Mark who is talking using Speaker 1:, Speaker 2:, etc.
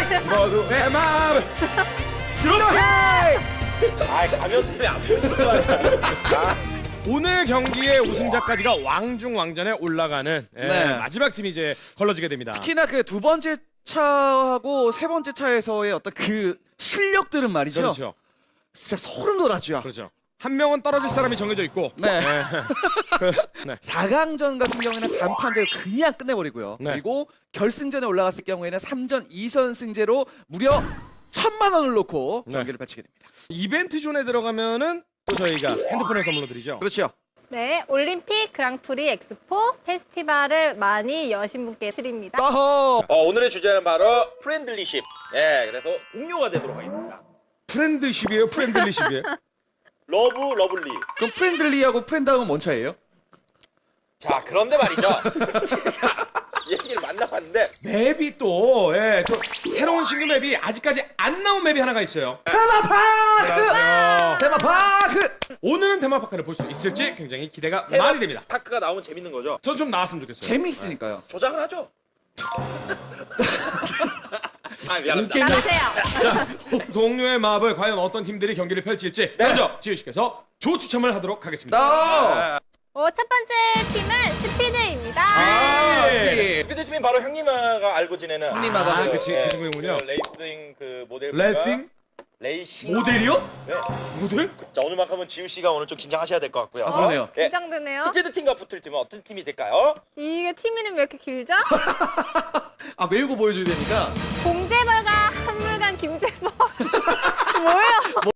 Speaker 1: 모두의 마음을 이렇게.
Speaker 2: 가면 때문에 안 보여.
Speaker 1: 오늘 경기의 우승자까지가 왕중왕전에 올라가는
Speaker 3: 네.
Speaker 1: 마지막 팀이 이제 걸러지게 됩니다.
Speaker 3: 특히나 그 두 번째 차하고 세 번째 차에서의 어떤 그 실력들은 말이죠.
Speaker 1: 그렇죠.
Speaker 3: 진짜 소름 돋았죠.
Speaker 1: 그렇죠. 한 명은 떨어질 사람이 정해져 있고.
Speaker 3: 네.
Speaker 1: 네.
Speaker 3: 4강전 같은 경우에는 단판대로 그냥 끝내버리고요.
Speaker 1: 네.
Speaker 3: 그리고 결승전에 올라갔을 경우에는 3전 2선승제로 무려 1,000만 원을 놓고
Speaker 1: 네.
Speaker 3: 경기를 펼치게 됩니다.
Speaker 1: 이벤트 존에 들어가면은 또 저희가 핸드폰을 선물로 드리죠.
Speaker 3: 그렇죠.
Speaker 4: 네, 올림픽 그랑프리 엑스포 페스티벌을 많이 여신 분께 드립니다.
Speaker 3: 어허.
Speaker 2: 오늘의 주제는 바로 프렌들리십. 예, 그래서 동료가 되도록 하겠습니다.
Speaker 1: 프렌드십이에요? 프렌들리십이에요?
Speaker 2: 러브, 러블리.
Speaker 3: 그럼 프렌들리하고 프렌드하고는 뭔 차이예요?
Speaker 2: 자, 그런데 말이죠. 제가 얘기를 만나봤는데
Speaker 1: 맵이 또, 또 새로운 신규 맵이 아직까지 안 나온 맵이 하나가 있어요.
Speaker 3: 테마파크!
Speaker 1: 그렇죠.
Speaker 3: 테마파크!
Speaker 1: 오늘은 테마파크를 볼 수 있을지 굉장히 기대가 많이 됩니다.
Speaker 2: 파크가 나오면 재밌는 거죠.
Speaker 1: 전 좀 나왔으면 좋겠어요.
Speaker 3: 재미있으니까요.
Speaker 2: 조작을 하죠. 미안합니다.
Speaker 4: 가세요.
Speaker 1: 동료의 마음을 과연 어떤 팀들이 경기를 펼칠지 먼저 지우 씨께서 조 추첨을 하도록 하겠습니다.
Speaker 3: 나!
Speaker 4: 첫 번째 팀은 스피드입니다.
Speaker 1: 네.
Speaker 2: 스피드팀은 바로 형님아가 알고 지내는
Speaker 3: 형님아가.
Speaker 1: 아, 그 친구군요.
Speaker 2: 레이싱 그 모델.
Speaker 1: 레싱?
Speaker 2: 레이싱.
Speaker 1: 모델이요?
Speaker 2: 네.
Speaker 1: 모델?
Speaker 2: 자, 오늘만큼은 지우 씨가 오늘 좀 긴장하셔야 될 것 같고요.
Speaker 3: 아, 그러네요.
Speaker 2: 예.
Speaker 4: 긴장되네요.
Speaker 2: 스피드 팀과 붙을 팀은 어떤 팀이 될까요?
Speaker 4: 이게 팀 이름 왜 이렇게 길죠?
Speaker 3: 아, 외우고 보여줘야 되니까.
Speaker 4: 공재벌과 한물간 김재벌. 뭐예요?